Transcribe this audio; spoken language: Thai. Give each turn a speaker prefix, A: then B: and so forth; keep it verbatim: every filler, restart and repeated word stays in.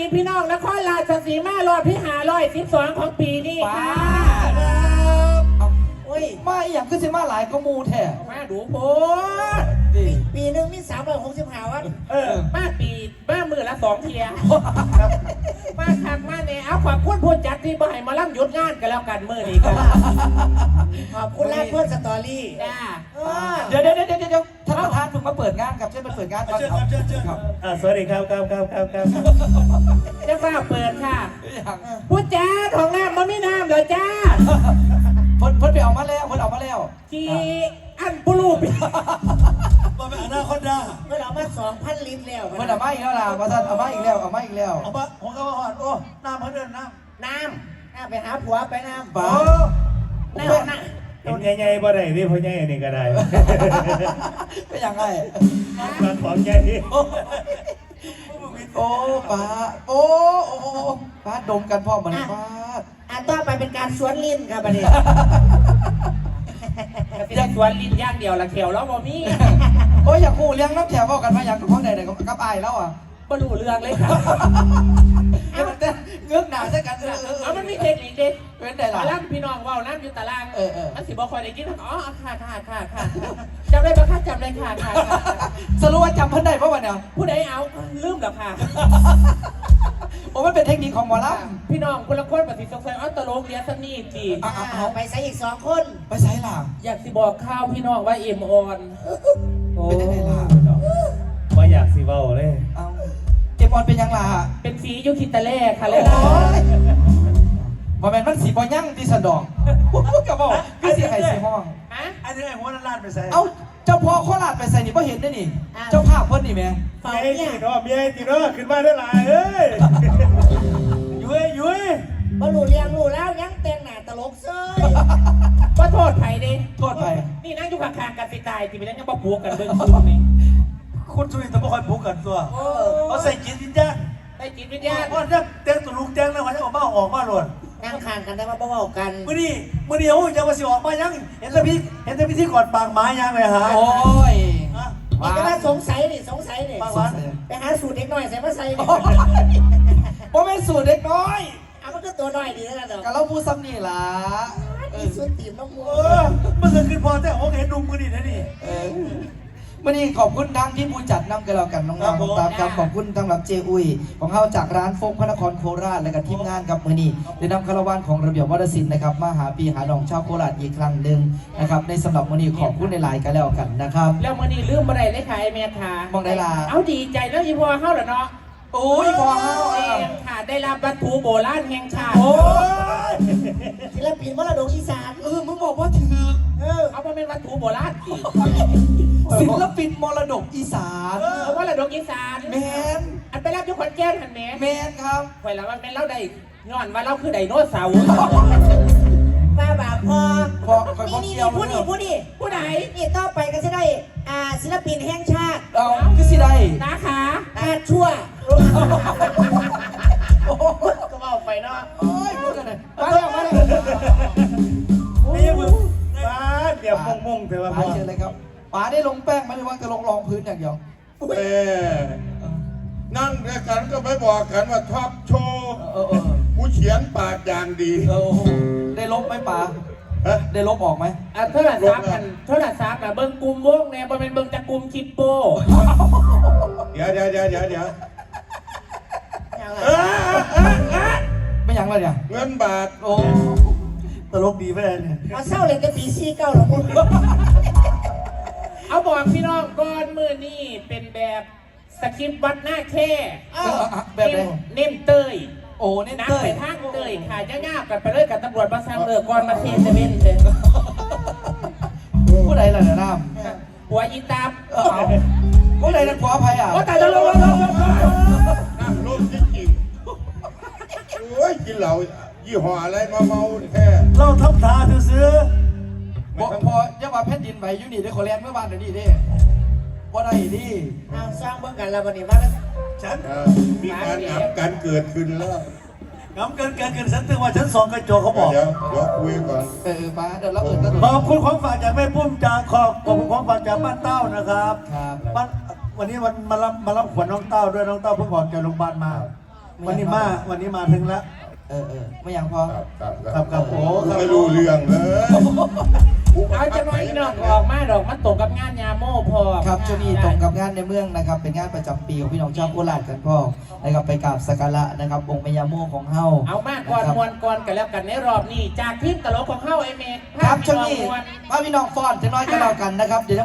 A: พี่น้องนครราชสีมารอดพี่หาร้อยสิบสองของปีนี้ค่ะ
B: โอ้ยมาอย่างขึ้นสิมาหลายก็มูแท้
A: มาดูโพ
C: ปีหนึ่งมีสามร้อยหกสิบห้าวัน
A: เออมาปีมามือละสองเทียมาคักมาเนี่ยเอาขอบคุณผู้จัดที่บ่ให้มาล่ำหยุดงานกันแล้วกันมือนี้กัน
C: ขอบคุณแรกเพื่อนสตอรี่
B: เดี๋ยวเดี๋ยวเดี๋ยวเดี๋ยวท่านประธานเพิ่งมาเปิดงานครับเชิญมาเปิดงานครับ
D: เชิญเชิญครับ
E: สวัสดีครับครับครับครับครับ
A: จะฟ้าเปิดค่ะผู้จัดของน้ำมันไม่น้ำเดี๋ยวจ้า
B: เพิ่นเพิ่นไปเอามาแล้วเพิ่นเอามาแล้ว
A: จีอันปุรูป
D: มาเป็นอนาคตได้
C: เมื่อเรามาสองพันลิตรแล้ว
B: เพิ่นเอามาอีกแล้วล่ะมาท่านเอามาอีกแล้วเอามาอีกแล้ว
D: เอามาผมก็มาหอดโอ้น้ำเขาเดินน้
C: ำน้ำน้ำไปหาผัวไปน้ำ
B: บ้า
C: น้ำน้ำ
E: เห็นใหญ่ๆบ่ได้ที่พ่อใหญ่นี่ก็ได้
B: เป็นยังไง
E: มาของใหญ่
B: โอ้ป้าโอ้โอ้ป้าดมกันพ่อเหมือนป้า
C: อ่ะต่อไปเป็นการสวนลิ้นครับประเดี๋ยว
A: จะสวนลิ้นย่างเดียวละเขียวแล้วบ่มี
B: โอ้ยอยากคู่เลี้ยงน้ำแถวบอกกันมาอยากกับพ่อใดไหนกับไอ้แล้วอ่ะ
A: บ่รู้เรื่องเลยค่ะ
B: เงือกหนาใช่กันเออเออ
A: เอามันมีเทคนิคเด็ด
B: เป็นไงล่ะ
A: ตารางพี่น้องว่าน้ำอยู่ตาราง
B: เออเออ
A: มันสิบ่คอยได้กินอ๋อค่ะค่ะค่ะค่ะจำได้ปะคะจำได้ค่ะค่ะ
B: สรุปว่าจำเพิ่นได้เพราะว่าเนี่ย
A: ผู้ใดเอาลืมหรอค่ะ
B: โอ้มันเป็นเทคนิคของหมอล
A: ำพี่น้องคนละคนปฏิสงสัยอัตโลกเรียนสนีจี
C: เอาไปใส่อีกสองคน
B: ไปใส่ล่ะ
A: อยากสิบอกข้าวพี่น้องว่าเอ็มออน
B: เป็นยังไงล่ะ
E: ว่าอยากสิเว้าเลย
B: เอาเอ็มออนเป็นยังล่ะ
A: เป็นสียุคิตาเล่ค่ะเลย
B: บอแมนมันสีบอยั่งที่สะดอกกระบอกก็สีไข่สีห้อง
A: ฮะ
D: อันนี้ไอ้หัวนั่นลาดไปใส่
B: เอ้าเจ้าพ่อโคราชไปใส่นี่เพราะเห็นได้นี่เจ้าภาพเพิ่นนี่แม่
E: เมียตีน้อเมียตีน้อขึ้นมาได้หลายเอ้ยยุ้ยยุ้ย
C: บรรลุเรียงรู้แล้วยังแต่งหน้าตลกเซ้ย
A: ก็โทษไผ่ดิ
B: โทษไผ่
A: นี่นั่งอยู่ข้างๆกันสิตายที่ไปยังบ่ผูกกันเบิ่งคู่นี่
D: คุณสุรินทร์ต้องคอยผูกกันตัวเขาใส่จิตวิญญาณ
A: ใส่จิตวิญญาณ
D: เพราะนั่งเต้นตุลุงแจ้งแล้วเขาจะออกมาออกมาหล่น
C: นั่งข้างกันได้มาเบาๆกัน
D: มื่อนี้มื่อนี้โอ้ยยังมาสิออกมายังเห็นแต่พี่เห็นแต่พี่ที่กอดปากหมายังเลยฮะ
B: โอ้ย
C: นี่ก็ว่าสงสัยนี่สงสัยนี่ไปหาสูตรเด็กน้อยใส่มาใส่นี่
B: เพราะเป็นสูตรเด็กน้อย
C: เอามันก็ตัวน้อยดีแล้วกันเนาะ
B: กะเราพูดซ้ำนี่ล่ะ
C: นี่สูตรตีมน้องมัว
D: มันจะขึ้นพอแต่โอเคดุมมือนี่นะนี่
B: มื่อนี้ขอบคุณทางที่ผู้จัดนำกันแล้วกันน้องๆตามครับขอบคุณสำหรับเจอุยของเขาจากร้านโฟกพระนครโคราชและกับทีมงานครับมื่อนี้ได้นำคาราวานของระเบียบวัฒนศิลป์นะครับมาหาปีหาดองชาวโคราชอีกครั้งหนึ่งนะครับในสำหรับมื่อนี้ขอบคุณในหลายกันแล้วกันนะครับ
A: แล้วมื่อนี้ลืมอะไรได้ขายเมียค่ะ
B: มองได้ละ
A: เอาดีใจแล้วอีพอเข้าเหรอเนาะ
B: โอ้ยพอเข้า
A: เองค่ะได้รับวัตถุโบราณแห่งชาติ
B: โอ้
C: ยศิลปินมรดกอีสาน
B: เออมึงบอกว่าถือ
C: เออ
A: เอามาเป็นวัตถุโบราณสิ
B: ศิลปินมรดกอีสาน
A: เอามรดกอีสาน
B: แมน
A: อันไปรับยุคนแก้นหันแม
B: นแมนครับ
A: ไว้แล้วมันเป็นเล่าได้ย้อนว่าเราคือไดโนเสาร์
C: ป้าบาพอ
B: พอคอย
C: นี่
B: เกี่ยว
C: ผู้นี่ผู้นี่
A: ผู้ไหน
C: นี่ต่อไปก็จะได้อ่าศิลปินแห่งชาติ
B: เอาคือสิได้
A: นาขา
C: อาชั่ว
A: ก็เอาไปเนาะ
B: โอ้ยพูดกันเลยมาแล้วมาแล้ว
E: นี่มึงป้าเดี๋ยวมงมงเถอะว่า
B: ป้าเชิญเลยครับป้าได้ลงแป้งไหมหรือว่าจะลงรองพื้นอย่างเดียว
F: เออนั่งด้วยกันก็ไม่บอกกันว่าท็อปโชว์กูเขียนปากอย่างดี
B: ได้ลบไหมป้าได้ลบออกไหม
A: อ่ะเท่าไหร่ซับกันเท่าไหร่ซับกันเบิ้งกลุ่มวงเนี่ยเป็นเบิ้งจากกลุ่มคิปโป้
F: เดี๋ยวเดี๋ยวเดี๋ยวเดี๋ยวเดี๋ยว
B: ไม่ยังเลยเนี่ย
F: เงินบาท
B: โอ้
D: ตลกดีไหมเนี่ย
C: มาเศร้าเลยจะปีซีเก้าหรอคุณ
A: เอาบอกพี่น้องก่อนมือนี่เป็นแบบสคริปต์วัดหน้าแค่
B: แบบไหน
A: เน้นเตย
B: โอ้เน้น
A: เตยไปทางเตยค่ะย่าๆกันไปเลยกับตำรวจมาสร้างเรือก่อนมาเทนเซเว่นเลย
B: ผู้ใดล่ะเนี่ยน้
A: ำหัวอีตาม
B: ผู้ใดนั่นขออภัยอ่ะ
A: ว่าแต่จะลงลงลงลง
F: นั่งรถจริงๆโอ้ยกินเหล้ายี่ห้ออะไรมาเมาแท้
D: เราทับทาซื้อ
B: บอกพอย่ามาแผ่นดินไหวอยู่นี่ได้ขอแลนเมื่อวานเดี๋ยวนี้ดิว่าได้ดิ
C: เอาสร้างเบื้องกันแล้ววันนี้ว่า
D: ฉัน
F: มีการอับกันเกิดขึ้นแล้ว
D: งำเกินเกินเกินฉันถึงว่าฉันสองกระจกเขาบอก
F: เดี๋ยวเดี๋ยวคุยก่อน
B: เออมาเดี๋ยวเราเอิญ
D: ขอบคุณของฝากจากแม่ปุ้มจากขอบขอบคุณของฝากจากบ้านเต้านะครับ
B: ครับ
D: บ้านวันนี้วันมารับมารับขวัญน้องเต้าด้วยน้องเต้าเพิ่งออกจากโรงพยาบาลมาวันนี้มาวันนี้มาถึงแล้ว
B: เออเออไม่ยังพอ
F: ครับครับ
D: ครับครับโอ้ครับ
F: ไม่รู้เรื่องเลย
A: เอาจะน้อยนอกออกมาดอกมันตกกับงานยาโม่พอ
B: ครับช่วงนี้ตรงกับงานในเมืองนะครับ เป็นงานประจำปีของพี่น้องชาวโคราชกันพ่อนะครับไปกราบสักการะนะครับองค์พญาโมของเฮา
A: เอามากก่อนมวนก่อนกันแล้วกันในรอบนี้จากทีมตลกของเฮาไอเมก
B: ครับช่วงนี้พาพี่น้องฟ้อนจะน้อยกันแล้วกันนะครับเดี๋ยว